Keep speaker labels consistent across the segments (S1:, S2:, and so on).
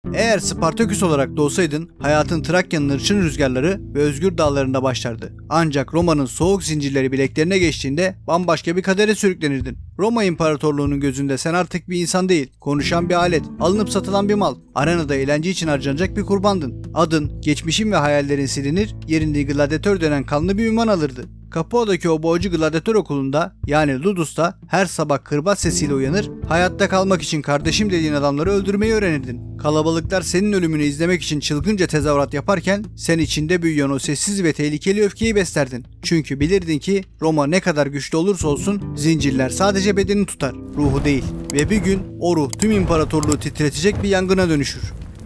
S1: Eğer Spartaküs olarak doğsaydın hayatın Trakya'nın hırçın rüzgarları ve özgür dağlarında başlardı. Ancak Roma'nın soğuk zincirleri bileklerine geçtiğinde bambaşka bir kadere sürüklenirdin. Roma İmparatorluğu'nun gözünde sen artık bir insan değil, konuşan bir alet, alınıp satılan bir mal, arenada eğlence için harcanacak bir kurbandın. Adın, geçmişin ve hayallerin silinir, yerini gladyatör denen kanlı bir ünvan alırdı. Capua'daki o boğucu gladyatör okulunda yani Ludus'ta her sabah kırbaç sesiyle uyanır, hayatta kalmak için kardeşim dediğin adamları öldürmeyi öğrenirdin. Kalabalıklar senin ölümünü izlemek için çılgınca tezahürat yaparken sen içinde büyüyen o sessiz ve tehlikeli öfkeyi beslerdin. Çünkü bilirdin ki Roma ne kadar güçlü olursa olsun zincirler sadece bedeni tutar, ruhu değil. Ve bir gün o ruh tüm imparatorluğu titretecek bir yangına dönüşür.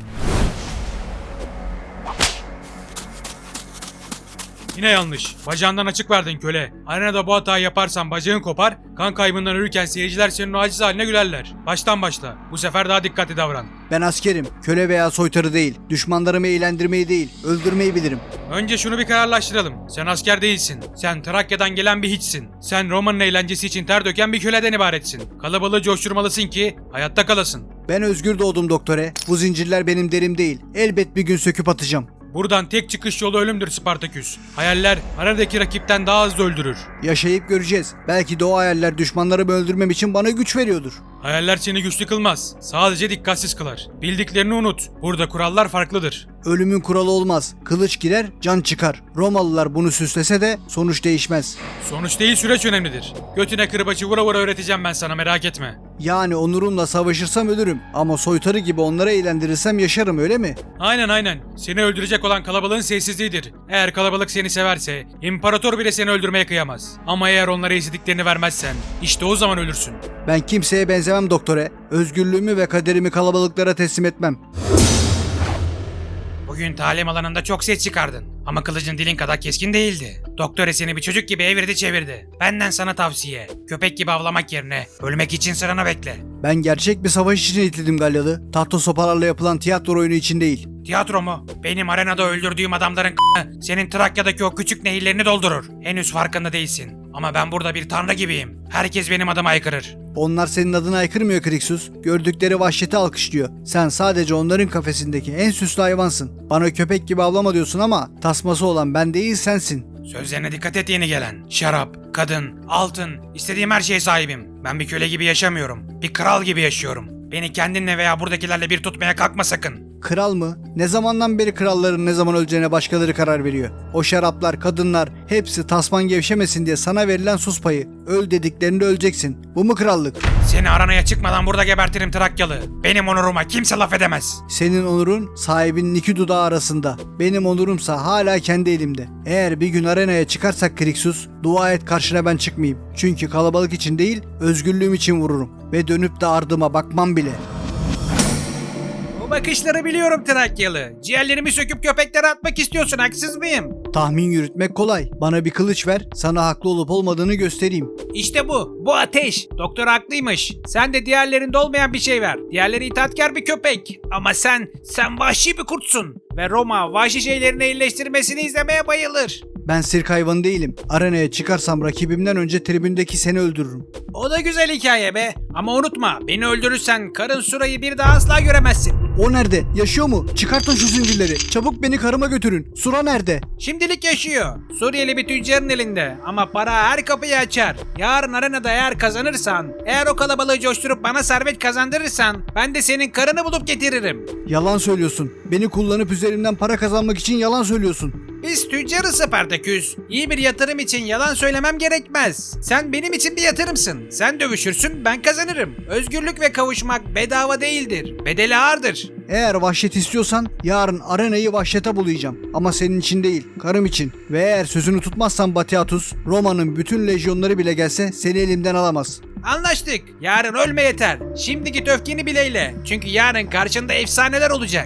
S2: Yine yanlış. Bacağından açık verdin köle. Arenada bu hatayı yaparsan bacağın kopar, kan kaybından ölürken seyirciler senin o aciz haline gülerler. Baştan başla. Bu sefer daha dikkatli davran.
S1: Ben askerim, köle veya soytarı değil, düşmanlarımı eğlendirmeyi değil, öldürmeyi bilirim.
S2: Önce şunu bir kararlaştıralım. Sen asker değilsin. Sen Trakya'dan gelen bir hiçsin. Sen Roma'nın eğlencesi için ter döken bir köleden ibaretsin. Kalabalığı coşturmalısın ki hayatta kalasın.
S1: Ben özgür doğdum doktore. Bu zincirler benim derim değil. Elbet bir gün söküp atacağım.
S2: Buradan tek çıkış yolu ölümdür Spartaküs. Hayaller arenadaki rakipten daha hızlı öldürür.
S1: Yaşayıp göreceğiz. Belki de o hayaller düşmanlarımı öldürmem için bana güç veriyordur.
S2: Hayaller seni güçlü kılmaz. Sadece dikkatsiz kılar. Bildiklerini unut. Burada kurallar farklıdır.
S1: Ölümün kuralı olmaz. Kılıç girer, can çıkar. Romalılar bunu süslese de sonuç değişmez.
S2: Sonuç değil, süreç önemlidir. Götüne kırbaçı vura vura öğreteceğim ben sana, merak etme.
S1: Yani onurumla savaşırsam ölürüm. Ama soytarı gibi onları eğlendirirsem yaşarım, öyle mi?
S2: Aynen. Seni öldürecek olan kalabalığın sessizliğidir. Eğer kalabalık seni severse, imparator bile seni öldürmeye kıyamaz. Ama eğer onlara istediklerini vermezsen, işte o zaman ölürsün.
S1: Ben kimseye benzemem doktore. Özgürlüğümü ve kaderimi kalabalıklara teslim etmem.
S2: Bugün talim alanında çok ses çıkardın. Ama kılıcın dilin kadar keskin değildi. Doktor seni bir çocuk gibi evirdi çevirdi. Benden sana tavsiye. Köpek gibi avlamak yerine ölmek için sıranı bekle.
S1: Ben gerçek bir savaş için eğitildim Galyalı. Tahta sopalarla yapılan tiyatro oyunu için değil.
S2: Tiyatro mu? Benim arenada öldürdüğüm adamların senin Trakya'daki o küçük nehirlerini doldurur. Henüz farkında değilsin. Ama ben burada bir tanrı gibiyim. Herkes benim adıma aykırır.
S1: Onlar senin adına aykırmıyor Krixus. Gördükleri vahşeti alkışlıyor. Sen sadece onların kafesindeki en süslü hayvansın. Bana köpek gibi avlama diyorsun ama tasması olan ben değil sensin.
S2: Sözlerine dikkat et yeni gelen. Şarap, kadın, altın, istediğim her şeye sahibim. Ben bir köle gibi yaşamıyorum. Bir kral gibi yaşıyorum. Beni kendinle veya buradakilerle bir tutmaya kalkma sakın.
S1: Kral mı? Ne zamandan beri kralların ne zaman öleceğine başkaları karar veriyor. O şaraplar, kadınlar hepsi tasman gevşemesin diye sana verilen sus payı. Öl dediklerinde öleceksin. Bu mu krallık?
S2: Seni aranaya çıkmadan burada gebertirim Trakyalı. Benim onuruma kimse laf edemez.
S1: Senin onurun sahibinin iki dudağı arasında. Benim onurumsa hala kendi elimde. Eğer bir gün arenaya çıkarsak Krixus, dua et karşına ben çıkmayayım. Çünkü kalabalık için değil, özgürlüğüm için vururum. Ve dönüp de ardıma bakmam bile.
S2: Bakışları biliyorum Trakyalı. Ciğerlerimi söküp köpeklere atmak istiyorsun, haksız mıyım?
S1: Tahmin yürütmek kolay. Bana bir kılıç ver, sana haklı olup olmadığını göstereyim.
S2: İşte bu. Bu ateş. Doktor haklıymış. Sen de diğerlerinde olmayan bir şey ver. Diğerleri itaatkar bir köpek. Ama sen vahşi bir kurtsun. Ve Roma vahşi şeylerini iyileştirmesini izlemeye bayılır.
S1: Ben sirk hayvanı değilim. Arenaya çıkarsam rakibimden önce tribündeki seni öldürürüm.
S2: O da güzel hikaye be. Ama unutma, beni öldürürsen karın Sura'yı bir daha asla göremezsin.
S1: O nerede? Yaşıyor mu? Çıkartın şu zincirleri. Çabuk beni karıma götürün. Sura nerede?
S2: Şimdilik yaşıyor. Suriyeli bir tüccarın elinde. Ama para her kapıyı açar. Yarın arenada eğer kazanırsan, eğer o kalabalığı coşturup bana servet kazandırırsan, ben de senin karını bulup getiririm.
S1: Yalan söylüyorsun. Beni kullanıp üzerimden para kazanmak için yalan söylüyorsun.
S2: Biz tüccarız Spartaküs. İyi bir yatırım için yalan söylemem gerekmez. Sen benim için bir yatırımsın. Sen dövüşürsün, ben kazanırım. Özgürlük ve kavuşmak bedava değildir. Bedeli ağırdır.
S1: Eğer vahşet istiyorsan yarın arenayı vahşete bulayacağım. Ama senin için değil, karım için. Ve eğer sözünü tutmazsan Batiatus, Roma'nın bütün lejyonları bile gelse seni elimden alamaz.
S2: Anlaştık. Yarın ölme yeter. Şimdi git öfkeni bileyle. Çünkü yarın karşında efsaneler olacak.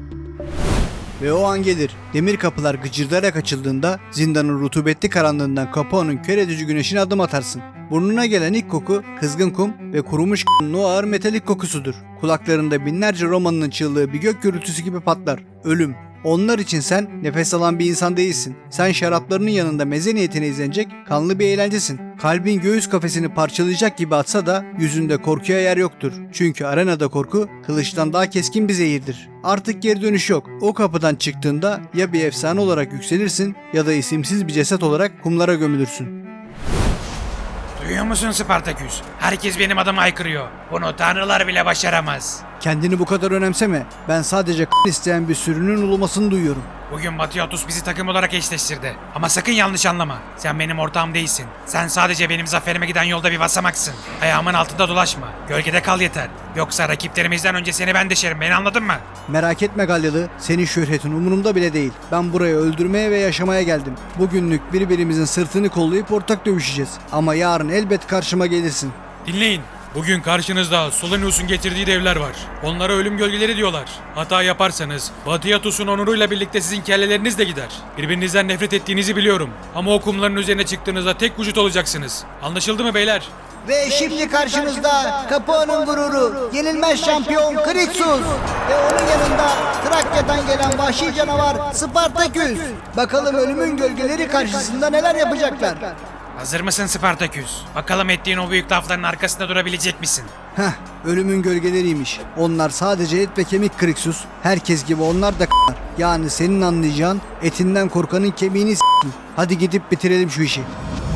S1: Ve o an gelir. Demir kapılar gıcırdayarak açıldığında zindanın rutubetli karanlığından Capua'nın kör edici güneşine adım atarsın. Burnuna gelen ilk koku kızgın kum ve kurumuş o ağır metalik kokusudur. Kulaklarında binlerce Roman'ın çığlığı bir gök gürültüsü gibi patlar. Ölüm. Onlar için sen nefes alan bir insan değilsin. Sen şaraplarının yanında meze niyetine izlenecek kanlı bir eğlencesin. Kalbin göğüs kafesini parçalayacak gibi atsa da yüzünde korkuya yer yoktur. Çünkü arenada korku kılıçtan daha keskin bir zehirdir. Artık geri dönüş yok. O kapıdan çıktığında ya bir efsane olarak yükselirsin ya da isimsiz bir ceset olarak kumlara gömülürsün.
S2: Duyuyor musun Spartaküs? Herkes benim adımı haykırıyor. Bunu tanrılar bile başaramaz.
S1: Kendini bu kadar önemseme. Ben sadece isteyen bir sürünün ulumasını duyuyorum.
S2: Bugün Batiatus bizi takım olarak eşleştirdi. Ama sakın yanlış anlama. Sen benim ortağım değilsin. Sen sadece benim zaferime giden yolda bir basamaksın. Ayağımın altında dolaşma. Gölgede kal yeter. Yoksa rakiplerimizden önce seni ben deşerim. Beni anladın mı?
S1: Merak etme Galyalı, senin şöhretin umurumda bile değil. Ben buraya öldürmeye ve yaşamaya geldim. Bugünlük birbirimizin sırtını kollayıp ortak dövüşeceğiz. Ama yarın elbet karşıma gelirsin.
S3: Dinleyin. Bugün karşınızda Solonius'un getirdiği devler var. Onlara ölüm gölgeleri diyorlar. Hata yaparsanız Batiatus'un onuruyla birlikte sizin kelleleriniz de gider. Birbirinizden nefret ettiğinizi biliyorum. Ama o kumların üzerine çıktığınızda tek vücut olacaksınız. Anlaşıldı mı beyler?
S4: Ve şimdi karşınızda Capua'nın gururu, yenilmez şampiyon Krixus ve onun yanında Trakya'dan gelen vahşi canavar Spartaküs. Bakalım ölümün gölgeleri karşısında neler yapacaklar.
S2: Hazır mısın Spartaküs? Bakalım ettiğin o büyük lafların arkasında durabilecek misin?
S1: Heh, ölümün gölgeleriymiş. Onlar sadece et ve kemik Krixus. Herkes gibi onlar da k***lar. Yani senin anlayacağın etinden korkanın kemiğini s***in. Hadi gidip bitirelim şu işi.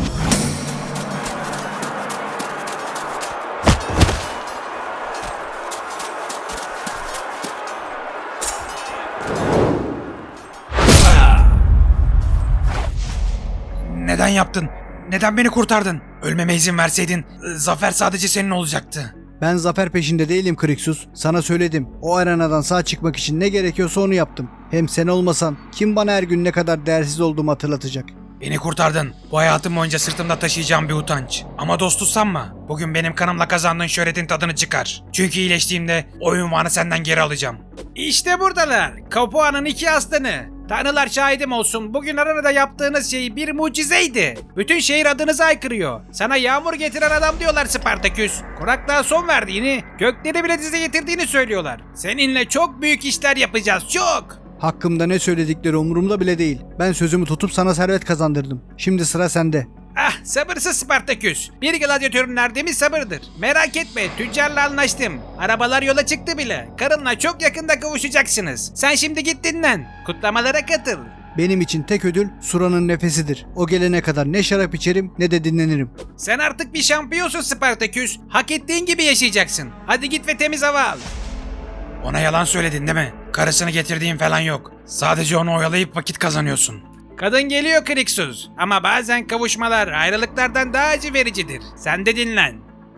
S2: Neden yaptın? Neden beni kurtardın? Ölmeme izin verseydin zafer sadece senin olacaktı.
S1: Ben zafer peşinde değilim Krixus. Sana söyledim. O arenadan sağ çıkmak için ne gerekiyorsa onu yaptım. Hem sen olmasan kim bana her gün ne kadar değersiz olduğumu hatırlatacak?
S2: Beni kurtardın. Bu hayatım boyunca sırtımda taşıyacağım bir utanç. Ama dostu sanma. Bugün benim kanımla kazandığın şöhretin tadını çıkar. Çünkü iyileştiğimde o ünvanı senden geri alacağım. İşte buradalar. Capua'nın iki aslanı. Tanrılar şahidim olsun. Bugün arenada yaptığınız şey bir mucizeydi. Bütün şehir adınızı haykırıyor. Sana yağmur getiren adam diyorlar Spartaküs. Kuraklığa son verdiğini, gökleri bile dize getirdiğini söylüyorlar. Seninle çok büyük işler yapacağız. Çok.
S1: Hakkımda ne söyledikleri umurumda bile değil. Ben sözümü tutup sana servet kazandırdım. Şimdi sıra sende.
S2: Ah, sabırsız Spartaküs. Bir gladyatörün erdemi sabırdır. Merak etme, tüccarla anlaştım. Arabalar yola çıktı bile. Karınla çok yakında kavuşacaksınız. Sen şimdi git dinlen. Kutlamalara katıl.
S1: Benim için tek ödül Sura'nın nefesidir. O gelene kadar ne şarap içerim ne de dinlenirim.
S2: Sen artık bir şampiyonsun Spartaküs. Hak ettiğin gibi yaşayacaksın. Hadi git ve temiz hava al. Ona yalan söyledin değil mi? Karısını getirdiğin falan yok. Sadece onu oyalayıp vakit kazanıyorsun. Kadın geliyor Krixus. Ama bazen kavuşmalar ayrılıklardan daha acı vericidir. Sen de dinlen.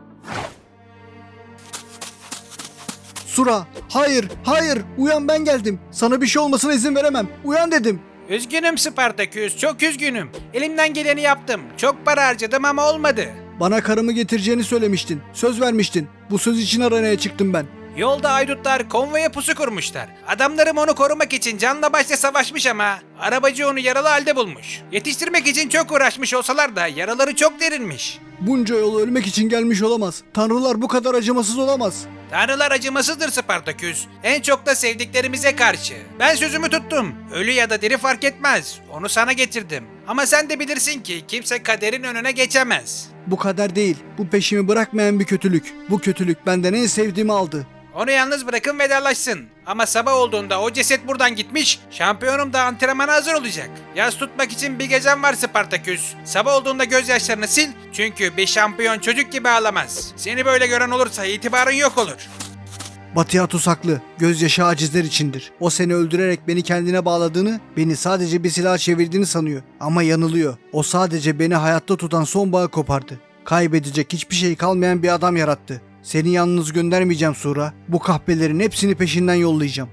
S1: Sura, hayır, hayır, uyan ben geldim. Sana bir şey olmasına izin veremem. Uyan dedim.
S2: Üzgünüm Spartaküs, çok üzgünüm. Elimden geleni yaptım. Çok para harcadım ama olmadı.
S1: Bana karımı getireceğini söylemiştin. Söz vermiştin. Bu söz için aranaya çıktım ben.
S2: Yolda aydutlar konvoya pusu kurmuşlar. Adamlarım onu korumak için canla başla savaşmış ama arabacı onu yaralı halde bulmuş. Yetiştirmek için çok uğraşmış olsalar da yaraları çok derinmiş.
S1: Bunca yol ölmek için gelmiş olamaz. Tanrılar bu kadar acımasız olamaz.
S2: Tanrılar acımasızdır Spartaküs. En çok da sevdiklerimize karşı. Ben sözümü tuttum. Ölü ya da diri fark etmez. Onu sana getirdim. Ama sen de bilirsin ki kimse kaderin önüne geçemez.
S1: Bu kader değil. Bu peşimi bırakmayan bir kötülük. Bu kötülük benden en sevdiğimi aldı.
S2: Onu yalnız bırakın vedalaşsın. Ama sabah olduğunda o ceset buradan gitmiş, şampiyonum da antrenmana hazır olacak. Yas tutmak için bir gecem var Spartaküs. Sabah olduğunda gözyaşlarını sil, çünkü bir şampiyon çocuk gibi ağlamaz. Seni böyle gören olursa itibarın yok olur.
S1: Batiatus haklı. Gözyaşı acizler içindir. O seni öldürerek beni kendine bağladığını, beni sadece bir silah çevirdiğini sanıyor. Ama yanılıyor. O sadece beni hayatta tutan son bağı kopardı. Kaybedecek hiçbir şey kalmayan bir adam yarattı. Seni yalnız göndermeyeceğim Sura. Bu kahpelerin hepsini peşinden yollayacağım.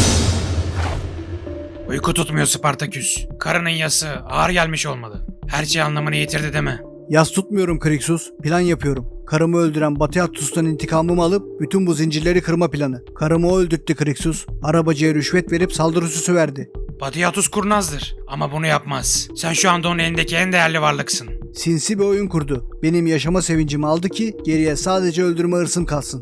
S2: Uyku tutmuyor Spartaküs. Karının yası ağır gelmiş olmalı. Her şey anlamını yitirdi değil mi?
S1: Yas tutmuyorum Krixus. Plan yapıyorum. Karımı öldüren Batiatus'tan intikamımı alıp bütün bu zincirleri kırma planı. Karımı o öldürttü Krixus. Arabacıya rüşvet verip saldırı süsü verdi.
S2: Batiatus kurnazdır ama bunu yapmaz. Sen şu anda onun elindeki en değerli varlıksın.
S1: Sinsi bir oyun kurdu. Benim yaşama sevincimi aldı ki geriye sadece öldürme hırsım kalsın.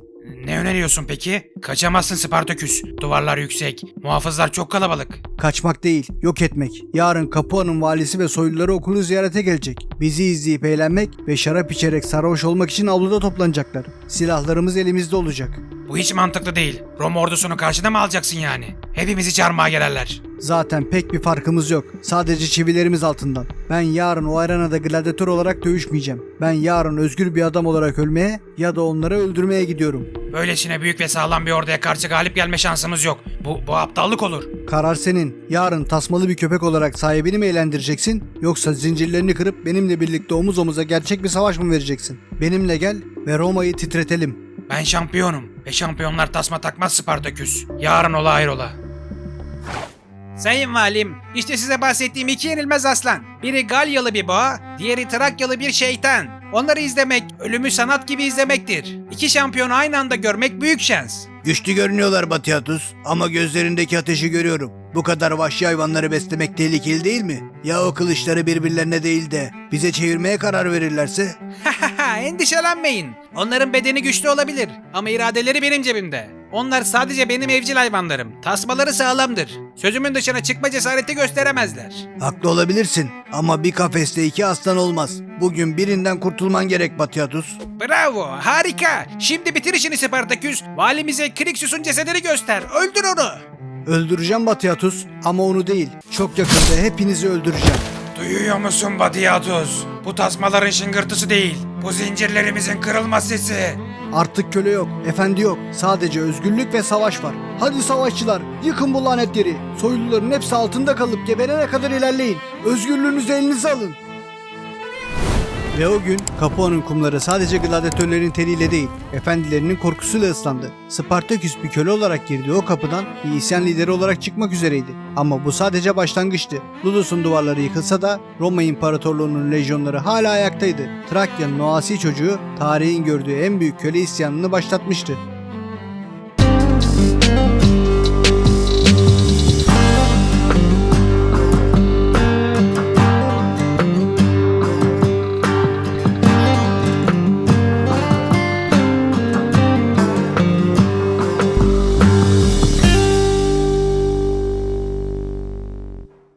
S2: Ne öneriyorsun peki? Kaçamazsın Spartaküs. Duvarlar yüksek. Muhafızlar çok kalabalık.
S1: Kaçmak değil, yok etmek. Yarın Capua'nın valisi ve soyluları okulu ziyarete gelecek. Bizi izleyip eğlenmek ve şarap içerek sarhoş olmak için avluda toplanacaklar. Silahlarımız elimizde olacak.
S2: Bu hiç mantıklı değil. Roma ordusunu karşıda mı alacaksın yani? Hepimizi çarmıha gelirler.
S1: Zaten pek bir farkımız yok. Sadece çivilerimiz altından. Ben yarın o arenada gladyatör olarak dövüşmeyeceğim. Ben yarın özgür bir adam olarak ölmeye ya da onları öldürmeye gidiyorum.
S2: Böylesine büyük ve sağlam bir orduya karşı galip gelme şansımız yok. Bu aptallık olur.
S1: Karar senin. Yarın tasmalı bir köpek olarak sahibini mi eğlendireceksin? Yoksa zincirlerini kırıp benimle birlikte omuz omuza gerçek bir savaş mı vereceksin? Benimle gel ve Roma'yı titretelim.
S2: Ben şampiyonum ve şampiyonlar tasma takmaz Spartaküs. Yarın ola hayrola. Sayın Valim, işte size bahsettiğim iki yenilmez aslan. Biri Galyalı bir boğa, diğeri Trakyalı bir şeytan. Onları izlemek, ölümü sanat gibi izlemektir. İki şampiyonu aynı anda görmek büyük şans.
S1: Güçlü görünüyorlar Batiatus ama gözlerindeki ateşi görüyorum. Bu kadar vahşi hayvanları beslemek tehlikeli değil mi? Ya o kılıçları birbirlerine değil de bize çevirmeye karar verirlerse?
S2: Endişelenmeyin. Onların bedeni güçlü olabilir ama iradeleri benim cebimde. Onlar sadece benim evcil hayvanlarım. Tasmaları sağlamdır. Sözümün dışına çıkma cesareti gösteremezler.
S1: Haklı olabilirsin ama bir kafeste iki aslan olmaz. Bugün birinden kurtulman gerek Batiatus.
S2: Bravo, harika. Şimdi bitir işini Spartaküs. Valimize Krixus'un cesedini göster. Öldür onu.
S1: Öldüreceğim Batiatus ama onu değil. Çok yakında hepinizi öldüreceğim.
S2: Duyuyor musun Batiatus? Bu tasmaların şıngırtısı değil. Bu zincirlerimizin kırılma sesi.
S1: Artık köle yok, efendi yok. Sadece özgürlük ve savaş var. Hadi savaşçılar, yıkın bu lanetleri. Soyluların hepsi altında kalıp geberene kadar ilerleyin. Özgürlüğünüzü elinize alın. Ve o gün Capua'nın kumları sadece gladyatörlerin teriyle değil, efendilerinin korkusuyla ıslandı. Spartaküs bir köle olarak girdiği o kapıdan bir isyan lideri olarak çıkmak üzereydi. Ama bu sadece başlangıçtı. Ludus'un duvarları yıkılsa da Roma İmparatorluğu'nun lejyonları hala ayaktaydı. Trakya'nın o asi çocuğu tarihin gördüğü en büyük köle isyanını başlatmıştı.